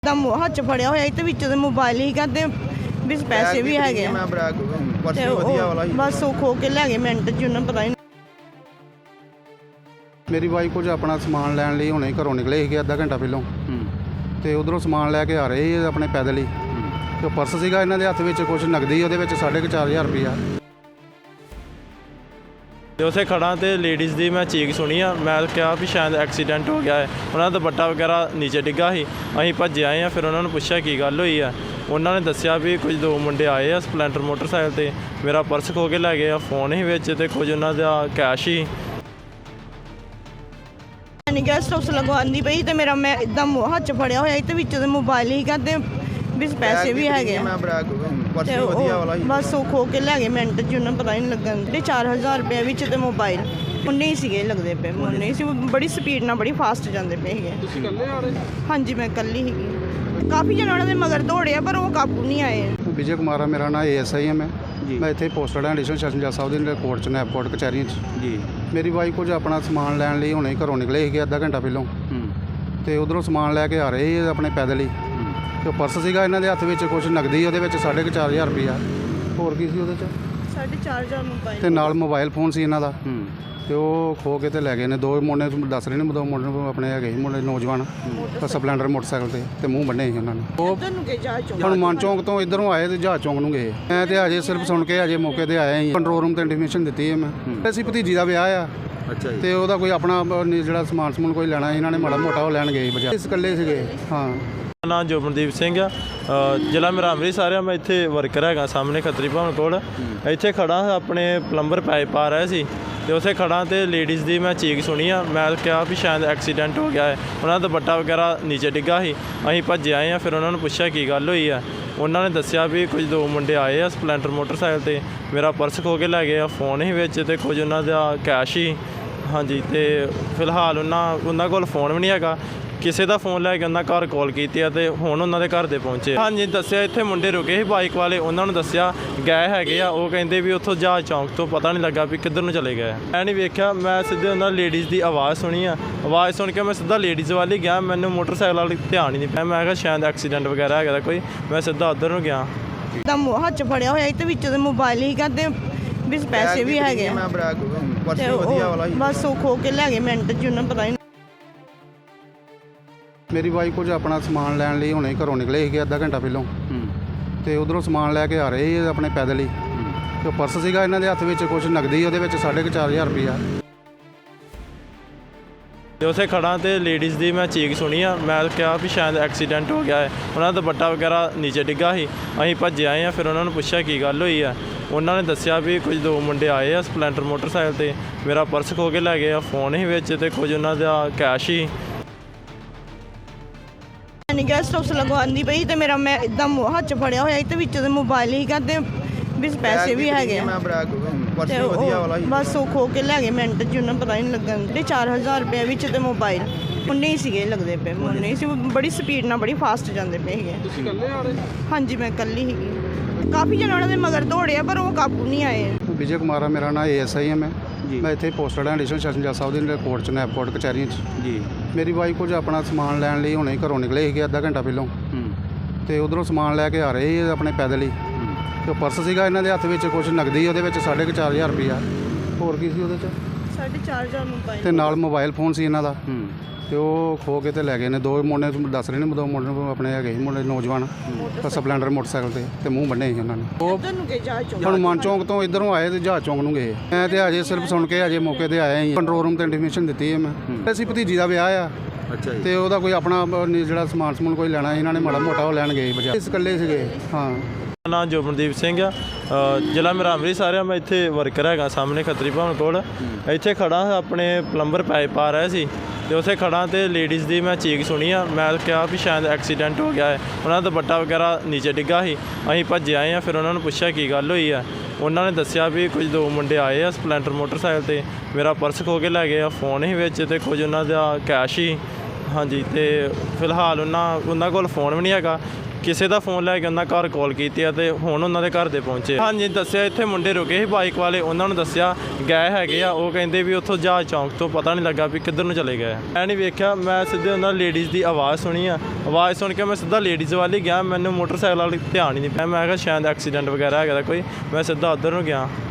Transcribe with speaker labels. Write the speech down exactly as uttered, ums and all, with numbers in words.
Speaker 1: ਦਾ ਹੱਥ 'ਚ ਫੜਿਆ ਹੋਇਆ ਤੇ ਵਿੱਚ ਦੇ ਮੋਬਾਈਲ ਹੀ ਕਹਿੰਦੇ ਵੀ ਪੈਸੇ ਵੀ ਹੈਗੇ ਆ
Speaker 2: ਮੈਂ ਬੜਾ ਪਰਸ
Speaker 1: ਤੇ
Speaker 2: ਵਧੀਆ
Speaker 1: ਉਹ
Speaker 2: ਵਾਲਾ ਸੀ।
Speaker 1: ਬਸ ਉਹ ਖੋ ਕੇ ਲੈ ਗਏ ਮਿੰਟ 'ਚ ਉਹਨਾਂ ਪਤਾ ਹੀ ਨਹੀਂ।
Speaker 3: ਮੇਰੀ ਵਾਈਫ ਕੁਝ ਆਪਣਾ ਸਮਾਨ ਲੈਣ ਲਈ ਹੁਣੇ ਘਰੋਂ ਨਿਕਲੇ ਸੀਗੇ ਅੱਧਾ ਘੰਟਾ ਪਹਿਲਾਂ ਤੇ ਉਧਰੋਂ ਸਮਾਨ ਲੈ ਕੇ ਆ ਰਹੇ ਸੀ ਆਪਣੇ ਪੈਦਲ ਹੀ ਤੇ ਪਰਸ ਸੀਗਾ ਇਹਨਾਂ ਦੇ ਹੱਥ ਵਿੱਚ ਕੁਝ ਨਗਦੀ ਉਹਦੇ ਵਿੱਚ ਸਾਢੇ ਕੁ ਚਾਰ ਹਜ਼ਾਰ ਰੁਪਈਆ।
Speaker 4: ਤੇ ਉਸੇ ਖੜਾ ਤੇ ਲੇਡੀਜ਼ ਦੀ ਮੈਂ ਚੀਕ ਸੁਣੀ ਆ। ਮੈਂ ਕਿਹਾ ਵੀ ਸ਼ਾਇਦ ਐਕਸੀਡੈਂਟ ਹੋ ਗਿਆ ਹੈ। ਉਹਨਾਂ ਦਾ ਦੁਪੱਟਾ ਵਗੈਰਾ ਨੀਚੇ ਡਿੱਗਾ ਸੀ। ਅਸੀਂ ਭੱਜੇ ਆਏ ਆ। ਫਿਰ ਉਹਨਾਂ ਨੂੰ ਪੁੱਛਿਆ ਕੀ ਗੱਲ ਹੋਈ ਆ। ਉਹਨਾਂ ਨੇ ਦੱਸਿਆ ਵੀ ਕੁਝ ਦੋ ਮੁੰਡੇ ਆਏ ਆ ਸਪਲੈਂਡਰ ਮੋਟਰਸਾਈਕਲ ਤੇ, ਮੇਰਾ ਪਰਸ ਖੋ ਕੇ ਲੈ ਗਏ ਆ, ਫੋਨ ਸੀ ਵਿੱਚ ਤੇ ਕੁਝ ਉਹਨਾਂ ਦਾ ਕੈਸ਼ ਸੀ।
Speaker 1: ਨਹੀਂ ਗੈਸਟ ਹਾਊਸ ਲਗਵਾਉਂਦੀ ਪਈ ਤੇ ਮੇਰਾ ਮੈਂ ਇਦਾਂ ਹੱਥ 'ਚ ਫੜਿਆ ਹੋਇਆ ਤੇ ਵਿੱਚ ਦੇ ਮੋਬਾਈਲ ਹੀ ਕਹਿੰਦੇ ਵੀ ਪੈਸੇ ਵੀ ਹੈਗੇ ਆ
Speaker 2: ਮੈਂ ਬੜਾ ਪਰਸ
Speaker 1: ਤੇ
Speaker 2: ਵਧੀਆ
Speaker 1: ਉਹ
Speaker 2: ਵਾਲਾ ਸੀ।
Speaker 1: ਬਸ ਉਹ ਖੋ ਕੇ ਲੈ ਗਏ ਮਿੰਟ 'ਚ ਉਹਨਾਂ ਪਤਾ ਹੀ ਨਹੀਂ ਲੱਗਣ ਤੇ ਚਾਰ ਹਜ਼ਾਰ ਰੁਪਏ ਵਿੱਚ ਤੇ ਮੋਬਾਈਲ ਉਨੇ ਹੀ ਸੀਗੇ ਲੱਗਦੇ ਪਏ ਉਨੇ ਹੀ ਸੀ। ਬੜੀ ਸਪੀਡ ਨਾਲ ਬੜੀ ਫਾਸਟ ਜਾਂਦੇ ਪਏ ਸੀਗੇ।
Speaker 2: ਤੁਸੀਂ ਇਕੱਲੇ ਆ ਰਹੇ?
Speaker 1: ਹਾਂਜੀ ਮੈਂ ਇਕੱਲੀ ਸੀਗੀ। ਕਾਫੀ ਜਣੇ ਉਹਨਾਂ ਦੇ ਮਗਰ ਦੌੜਿਆ ਪਰ ਉਹ ਕਾਬੂ ਨਹੀਂ ਆਏ।
Speaker 3: ਵਿਜੇ ਕੁਮਾਰ ਆ ਮੇਰਾ ਨਾਮ, ਏ ਐਸ ਆਈ ਹਾਂ ਮੈਂ ਮੈਂ ਇੱਥੇ ਪੋਸਟਡ ਹਾਂ ਐਡੀਸ਼ਨਲ ਸੈਸ਼ਨ ਜੱਜ ਸਾਹਿਬ ਦੇ ਕੋਰਟ 'ਚ ਨੈਪਕੋਟ ਕਚਹਿਰੀਆਂ 'ਚ ਜੀ। ਮੇਰੀ ਵਾਈਫ ਕੁਝ ਆਪਣਾ ਸਮਾਨ ਲੈਣ ਲਈ ਹੁਣੇ ਘਰੋਂ ਨਿਕਲੇ ਸੀਗੇ ਅੱਧਾ ਘੰਟਾ ਪਹਿਲਾਂ ਤੇ ਉਧਰੋਂ ਸਮਾਨ ਲੈ ਕੇ ਆ ਰਹੇ ਸੀ ਆਪਣੇ ਪੈਦਲ ਹੀ ਤੇ ਪਰਸ ਸੀਗਾ ਇਹਨਾਂ ਦੇ ਹੱਥ ਵਿੱਚ ਕੁਝ ਨਗਦੀ ਉਹਦੇ ਵਿੱਚ ਸਾਢੇ ਕੁ ਚਾਰ ਹਜ਼ਾਰ ਰੁਪਈਆ। ਹੋਰ ਕੀ ਸੀ ਉਹਦੇ 'ਚ?
Speaker 1: ਸਾਢੇ ਚਾਰ ਹਜ਼ਾਰ ਮੋਬਾਈਲ
Speaker 3: ਤੇ ਨਾਲ ਮੋਬਾਈਲ ਫੋਨ ਸੀ ਇਹਨਾਂ ਦਾ ਤੇ ਉਹ ਖੋ ਕੇ ਤੇ ਲੈ ਗਏ ਨੇ। ਦੋ ਮੁੰਡੇ ਦੱਸ ਰਹੇ ਨੇ, ਦੋ ਮੁੰਡੇ ਆਪਣੇ ਹੈਗੇ ਸੀ ਮੁੰਡੇ ਨੌਜਵਾਨ ਸਪਲੈਂਡਰ ਮੋਟਰਸਾਈਕਲ ਤੇ ਤੇ ਮੂੰਹ ਬੰਨੇ ਸੀ ਉਹਨਾਂ ਨੇ। ਉਹ
Speaker 1: ਤੁਹਾਨੂੰ ਕਿ ਜਾ ਚੁੱਕ
Speaker 3: ਹਨੂੰਮਾਨ ਚੌਂਕ ਤੋਂ ਇੱਧਰੋਂ ਆਏ ਤੇ ਜਹਾਜ਼ ਚੌਂਕ ਨੂੰ ਗਏ। ਮੈਂ ਤੇ ਅਜੇ ਸਿਰਫ ਸੁਣ ਕੇ ਅਜੇ ਮੌਕੇ ਤੇ ਆਇਆ ਹੀ। ਕੰਟਰੋਲ ਰੂਮ ਤੇ ਇੰਟੀਮੇਸ਼ਨ ਦਿੱਤੀ ਹੈ ਮੈਂ। ਅਸੀਂ ਭਤੀਜੀ ਦਾ ਵਿਆਹ ਆ
Speaker 2: ਅੱਛਾ ਜੀ।
Speaker 3: ਤੇ ਉਹਦਾ ਕੋਈ ਆਪਣਾ ਜਿਹੜਾ ਸਮਾਨ ਸਮੂਨ ਕੋਈ ਲੈਣਾ ਇਹਨਾਂ ਨੇ ਮਾੜਾ ਮੋਟਾ ਉਹ ਲੈਣ ਗਏ ਬਜਾ ਇਸ ਇਕੱਲੇ ਸੀਗੇ। ਹਾਂ
Speaker 4: ਮੇਰਾ ਨਾਮ ਜੋਬਨਦੀਪ ਸਿੰਘ ਆ। ਅ, ਜ਼ਿਲ੍ਹਾ ਮੇਰਾ ਅੰਮ੍ਰਿਤਸਰ ਆ। ਮੈਂ ਇੱਥੇ ਵਰਕਰ ਹੈਗਾ ਸਾਹਮਣੇ ਖੱਤਰੀ ਭਵਨ ਕੋਲ। ਇੱਥੇ ਖੜਾ ਆਪਣੇ ਪਲੰਬਰ ਪਾਈਪ ਪਾ ਰਿਹਾ ਸੀ ਤੇ ਉਸੇ ਖੜਾ ਤੇ ਲੇਡੀਜ਼ ਦੀ ਮੈਂ ਚੀਕ ਸੁਣੀ ਆ। ਮੈਂ ਕਿਹਾ ਵੀ ਸ਼ਾਇਦ ਐਕਸੀਡੈਂਟ ਹੋ ਗਿਆ ਹੈ। ਉਹਨਾਂ ਦਾ ਦੁਪੱਟਾ ਵਗੈਰਾ ਨੀਚੇ ਡਿੱਗਾ ਸੀ। ਅਸੀਂ ਭੱਜੇ ਆਏ ਆ। ਫਿਰ ਉਹਨਾਂ ਨੂੰ ਪੁੱਛਿਆ ਕੀ ਗੱਲ ਹੋਈ ਆ। ਉਹਨਾਂ ਨੇ ਦੱਸਿਆ ਵੀ ਕੁਝ ਦੋ ਮੁੰਡੇ ਆਏ ਆ ਸਪਲੈਂਡਰ ਮੋਟਰਸਾਈਕਲ ਤੇ, ਮੇਰਾ ਪਰਸ ਖੋ ਕੇ ਲੈ ਗਏ ਆ, ਫੋਨ ਸੀ ਵਿੱਚ ਤੇ ਕੁਝ ਉਹਨਾਂ ਦਾ ਕੈਸ਼ ਸੀ। ਹਾਂਜੀ ਤੇ ਫਿਲਹਾਲ ਉਹਨਾਂ ਉਹਨਾਂ ਕੋਲ ਫੋਨ ਵੀ ਨਹੀਂ ਹੈਗਾ। ਕਿਸੇ ਦਾ ਫੋਨ ਲੈ ਕੇ ਉਹਨਾਂ ਘਰ ਕਾਲ ਕੀਤੀ ਆ ਤੇ ਹੁਣ ਉਹਨਾਂ ਦੇ ਘਰ ਦੇ ਪਹੁੰਚੇ। ਹਾਂਜੀ ਦੱਸਿਆ ਇੱਥੇ ਮੁੰਡੇ ਰੁਕੇ ਸੀ ਬਾਈਕ ਵਾਲੇ, ਉਹਨਾਂ ਨੂੰ ਦੱਸਿਆ ਗਏ ਹੈਗੇ ਆ। ਉਹ ਕਹਿੰਦੇ ਵੀ ਉੱਥੋਂ ਜਹਾਜ਼ ਚੌਂਕ ਤੋਂ ਪਤਾ ਨਹੀਂ ਲੱਗਾ ਵੀ ਕਿੱਧਰ ਨੂੰ ਚਲੇ ਗਏ। ਮੈਂ ਨਹੀਂ ਵੇਖਿਆ, ਮੈਂ ਸਿੱਧੇ ਉਹਨਾਂ ਲੇਡੀਜ਼ ਦੀ ਆਵਾਜ਼ ਸੁਣੀ ਆ। ਆਵਾਜ਼ ਸੁਣ ਕੇ ਮੈਂ ਸਿੱਧਾ ਲੇਡੀਜ਼ ਵੱਲ ਹੀ ਗਿਆ। ਮੈਨੂੰ ਮੋਟਰਸਾਈਕਲ ਵਾਲੀ ਧਿਆਨ ਹੀ ਨਹੀਂ ਪਿਆ। ਮੈਂ ਕਿਹਾ ਸ਼ਾਇਦ ਐਕਸੀਡੈਂਟ ਵਗੈਰਾ ਹੈਗਾ ਕੋਈ। ਮੈਂ ਸਿੱਧਾ ਉੱਧਰ ਨੂੰ ਗਿਆ।
Speaker 1: ਦਾ ਹੱਥ 'ਚ ਫੜਿਆ ਹੋਇਆ ਤੇ ਵਿੱਚ ਦੇ ਮੋਬਾਈਲ ਹੀ ਕਹਿੰਦੇ ਵੀ ਪੈਸੇ ਵੀ ਹੈਗੇ ਆ
Speaker 2: ਮੈਂ ਬੜਾ ਪਰਸ
Speaker 1: ਤੇ
Speaker 2: ਵਧੀਆ
Speaker 1: ਉਹ
Speaker 2: ਵਾਲਾ ਸੀ।
Speaker 1: ਬਸ ਉਹ ਖੋ ਕੇ ਲੈ ਗਏ ਮਿੰਟ 'ਚ ਉਹਨਾਂ ਪਤਾ ਹੀ ਨਹੀਂ।
Speaker 3: ਮੇਰੀ ਵਾਈਫ ਕੁਝ ਆਪਣਾ ਸਮਾਨ ਲੈਣ ਲਈ ਹੁਣੇ ਘਰੋਂ ਨਿਕਲੇ ਸੀਗੇ ਅੱਧਾ ਘੰਟਾ ਪਹਿਲਾਂ ਤੇ ਉਧਰੋਂ ਸਮਾਨ ਲੈ ਕੇ ਆ ਰਹੇ ਸੀ ਆਪਣੇ ਪੈਦਲ ਹੀ ਤੇ ਪਰਸ ਸੀਗਾ ਇਹਨਾਂ ਦੇ ਹੱਥ ਵਿੱਚ ਕੁਝ ਨਗਦੀ ਉਹਦੇ ਵਿੱਚ ਸਾਢੇ ਕੁ ਚਾਰ ਹਜ਼ਾਰ ਰੁਪਈਆ।
Speaker 4: ਤੇ ਉਸੇ ਖੜਾ ਤੇ ਲੇਡੀਜ਼ ਦੀ ਮੈਂ ਚੀਕ ਸੁਣੀ ਆ। ਮੈਂ ਕਿਹਾ ਵੀ ਸ਼ਾਇਦ ਐਕਸੀਡੈਂਟ ਹੋ ਗਿਆ ਹੈ। ਉਹਨਾਂ ਦਾ ਦੁਪੱਟਾ ਵਗੈਰਾ ਨੀਚੇ ਡਿੱਗਾ ਸੀ। ਅਸੀਂ ਭੱਜੇ ਆਏ ਆ। ਫਿਰ ਉਹਨਾਂ ਨੂੰ ਪੁੱਛਿਆ ਕੀ ਗੱਲ ਹੋਈ ਆ। ਉਹਨਾਂ ਨੇ ਦੱਸਿਆ ਵੀ ਕੁਝ ਦੋ ਮੁੰਡੇ ਆਏ ਆ ਸਪਲੈਂਡਰ ਮੋਟਰਸਾਈਕਲ ਤੇ, ਮੇਰਾ ਪਰਸ ਖੋ ਕੇ ਲੈ ਗਏ ਆ, ਫੋਨ ਸੀ ਵਿੱਚ ਤੇ ਕੁਝ ਉਹਨਾਂ ਦਾ ਕੈਸ਼ ਸੀ।
Speaker 1: ਨਹੀਂ ਗੈਸਟ ਹਾਊਸ ਲਗਵਾਉਂਦੀ ਪਈ ਤੇ ਮੇਰਾ ਮੈਂ ਇਦਾਂ ਹੱਥ 'ਚ ਫੜਿਆ ਹੋਇਆ ਤੇ ਵਿੱਚ ਦੇ ਮੋਬਾਈਲ ਹੀ ਕਹਿੰਦੇ ਵੀ ਪੈਸੇ ਵੀ ਹੈਗੇ ਆ
Speaker 2: ਮੈਂ ਬੜਾ ਪਰਸ
Speaker 1: ਤੇ
Speaker 2: ਵਧੀਆ
Speaker 1: ਉਹ
Speaker 2: ਵਾਲਾ ਸੀ।
Speaker 1: ਬਸ ਉਹ ਖੋ ਕੇ ਲੈ ਗਏ ਮਿੰਟ 'ਚ ਉਹਨਾਂ ਪਤਾ ਹੀ ਨਹੀਂ ਲੱਗਣ ਤੇ ਚਾਰ ਹਜ਼ਾਰ ਰੁਪਏ ਵਿੱਚ ਤੇ ਮੋਬਾਈਲ ਉਨੇ ਹੀ ਸੀਗੇ ਲੱਗਦੇ ਪਏ ਉਨੇ ਹੀ ਸੀ। ਬੜੀ ਸਪੀਡ ਨਾਲ ਬੜੀ ਫਾਸਟ ਜਾਂਦੇ ਪਏ ਸੀਗੇ।
Speaker 2: ਤੁਸੀਂ ਇਕੱਲੇ ਆ ਰਹੇ?
Speaker 1: ਹਾਂਜੀ ਮੈਂ ਇਕੱਲੀ ਸੀਗੀ। ਕਾਫੀ ਜਣੇ ਉਹਨਾਂ ਦੇ ਮਗਰ ਦੌੜਿਆ ਪਰ ਉਹ ਕਾਬੂ ਨਹੀਂ ਆਏ।
Speaker 3: ਵਿਜੇ ਕੁਮਾਰ ਆ ਮੇਰਾ ਨਾਮ, ਏ ਐਸ ਆਈ ਹਾਂ ਮੈਂ ਮੈਂ ਇੱਥੇ ਪੋਸਟਡ ਹਾਂ ਐਡੀਸ਼ਨਲ ਸੈਸ਼ਨ ਜੱਜ ਸਾਹਿਬ ਦੇ ਕੋਰਟ 'ਚ ਨੈਪਕੋਟ ਕਚਹਿਰੀਆਂ 'ਚ ਜੀ। ਮੇਰੀ ਵਾਈਫ ਕੁਝ ਆਪਣਾ ਸਮਾਨ ਲੈਣ ਲਈ ਹੁਣੇ ਘਰੋਂ ਨਿਕਲੇ ਸੀਗੇ ਅੱਧਾ ਘੰਟਾ ਪਹਿਲਾਂ ਤੇ ਉਧਰੋਂ ਸਮਾਨ ਲੈ ਕੇ ਆ ਰਹੇ ਸੀ ਆਪਣੇ ਪੈਦਲ ਹੀ ਤੇ ਪਰਸ ਸੀਗਾ ਇਹਨਾਂ ਦੇ ਹੱਥ ਵਿੱਚ ਕੁਝ ਨਗਦੀ ਉਹਦੇ ਵਿੱਚ ਸਾਢੇ ਕੁ ਚਾਰ ਹਜ਼ਾਰ ਰੁਪਈਆ। ਹੋਰ ਕੀ ਸੀ ਉਹਦੇ 'ਚ?
Speaker 1: ਸਾਢੇ ਚਾਰ ਹਜ਼ਾਰ ਮੋਬਾਈਲ
Speaker 3: ਤੇ ਨਾਲ ਮੋਬਾਈਲ ਫੋਨ ਸੀ ਇਹਨਾਂ ਦਾ ਤੇ ਉਹ ਖੋ ਕੇ ਤੇ ਲੈ ਗਏ ਨੇ। ਦੋ ਮੁੰਡੇ ਦੱਸ ਰਹੇ ਨੇ, ਦੋ ਮੁੰਡੇ ਆਪਣੇ ਹੈਗੇ ਸੀ ਮੁੰਡੇ ਨੌਜਵਾਨ ਸਪਲੈਂਡਰ ਮੋਟਰਸਾਈਕਲ ਤੇ ਤੇ ਮੂੰਹ ਬੰਨੇ ਸੀ ਉਹਨਾਂ ਨੇ। ਉਹ
Speaker 1: ਤੁਹਾਨੂੰ ਕਿ ਜਾ ਚੁੱਕ
Speaker 3: ਹਨੂੰਮਾਨ ਚੌਂਕ ਤੋਂ ਇੱਧਰੋਂ ਆਏ ਤੇ ਜਹਾਜ਼ ਚੌਂਕ ਨੂੰ ਗਏ। ਮੈਂ ਤੇ ਅਜੇ ਸਿਰਫ ਸੁਣ ਕੇ ਅਜੇ ਮੌਕੇ ਤੇ ਆਇਆ ਹੀ। ਕੰਟਰੋਲ ਰੂਮ ਤੇ ਇੰਟੀਮੇਸ਼ਨ ਦਿੱਤੀ ਹੈ ਮੈਂ। ਅਸੀਂ ਭਤੀਜੀ ਦਾ ਵਿਆਹ ਆ
Speaker 2: ਅੱਛਾ ਜੀ।
Speaker 3: ਤੇ ਉਹਦਾ ਕੋਈ ਆਪਣਾ ਜਿਹੜਾ ਸਮਾਨ ਸਮੂਨ ਕੋਈ ਲੈਣਾ ਇਹਨਾਂ ਨੇ ਮਾੜਾ ਮੋਟਾ ਉਹ ਲੈਣ ਗਏ ਬਜਾ ਇਸ ਇਕੱਲੇ ਸੀਗੇ। ਹਾਂ
Speaker 4: ਮੇਰਾ ਨਾਮ ਜੋਬਨਦੀਪ ਸਿੰਘ ਆ। ਅ, ਜ਼ਿਲ੍ਹਾ ਮੇਰਾ ਅੰਮ੍ਰਿਤਸਰ ਆ। ਮੈਂ ਇੱਥੇ ਵਰਕਰ ਹੈਗਾ ਸਾਹਮਣੇ ਖੱਤਰੀ ਭਵਨ ਕੋਲ। ਇੱਥੇ ਖੜਾ ਆਪਣੇ ਪਲੰਬਰ ਪਾਈਪ ਪਾ ਰਿਹਾ ਸੀ ਤੇ ਉਸੇ ਖੜਾ ਤੇ ਲੇਡੀਜ਼ ਦੀ ਮੈਂ ਚੀਕ ਸੁਣੀ ਆ। ਮੈਂ ਕਿਹਾ ਵੀ ਸ਼ਾਇਦ ਐਕਸੀਡੈਂਟ ਹੋ ਗਿਆ ਹੈ। ਉਹਨਾਂ ਦਾ ਦੁਪੱਟਾ ਵਗੈਰਾ ਨੀਚੇ ਡਿੱਗਾ ਸੀ। ਅਸੀਂ ਭੱਜੇ ਆਏ ਆ। ਫਿਰ ਉਹਨਾਂ ਨੂੰ ਪੁੱਛਿਆ ਕੀ ਗੱਲ ਹੋਈ ਆ। ਉਹਨਾਂ ਨੇ ਦੱਸਿਆ ਵੀ ਕੁਝ ਦੋ ਮੁੰਡੇ ਆਏ ਆ ਸਪਲੈਂਡਰ ਮੋਟਰਸਾਈਕਲ ਤੇ, ਮੇਰਾ ਪਰਸ ਖੋ ਕੇ ਲੈ ਗਏ ਆ, ਫੋਨ ਸੀ ਵਿੱਚ ਤੇ ਕੁਝ ਉਹਨਾਂ ਦਾ ਕੈਸ਼ ਸੀ। ਹਾਂਜੀ ਤੇ ਫਿਲਹਾਲ ਉਹਨਾਂ ਉਹਨਾਂ ਕੋਲ ਫੋਨ ਵੀ ਨਹੀਂ ਹੈਗਾ। ਕਿਸੇ ਦਾ ਫੋਨ ਲੈ ਕੇ ਉਹਨਾਂ ਘਰ ਕਾਲ ਕੀਤੀ ਆ ਤੇ ਹੁਣ ਉਹਨਾਂ ਦੇ ਘਰ ਦੇ ਪਹੁੰਚੇ। ਹਾਂਜੀ ਦੱਸਿਆ ਇੱਥੇ ਮੁੰਡੇ ਰੁਕੇ ਸੀ ਬਾਈਕ ਵਾਲੇ, ਉਹਨਾਂ ਨੂੰ ਦੱਸਿਆ ਗਏ ਹੈਗੇ ਆ। ਉਹ ਕਹਿੰਦੇ ਵੀ ਉੱਥੋਂ ਜਹਾਜ਼ ਚੌਂਕ ਤੋਂ ਪਤਾ ਨਹੀਂ ਲੱਗਾ ਵੀ ਕਿੱਧਰ ਨੂੰ ਚਲੇ ਗਏ। ਮੈਂ ਨਹੀਂ ਵੇਖਿਆ, ਮੈਂ ਸਿੱਧੇ ਉਹਨਾਂ ਲੇਡੀਜ਼ ਦੀ ਆਵਾਜ਼ ਸੁਣੀ ਆ। ਆਵਾਜ਼ ਸੁਣ ਕੇ ਮੈਂ ਸਿੱਧਾ ਲੇਡੀਜ਼ ਵੱਲ ਹੀ ਗਿਆ। ਮੈਨੂੰ ਮੋਟਰਸਾਈਕਲ ਵਾਲੀ ਧਿਆਨ ਹੀ ਨਹੀਂ ਪਿਆ। ਮੈਂ ਕਿਹਾ ਸ਼ਾਇਦ ਐਕਸੀਡੈਂਟ ਵਗੈਰਾ ਹੈਗਾ ਕੋਈ, ਮੈਂ ਸਿੱਧਾ ਉੱਧਰ ਨੂੰ ਗਿਆ।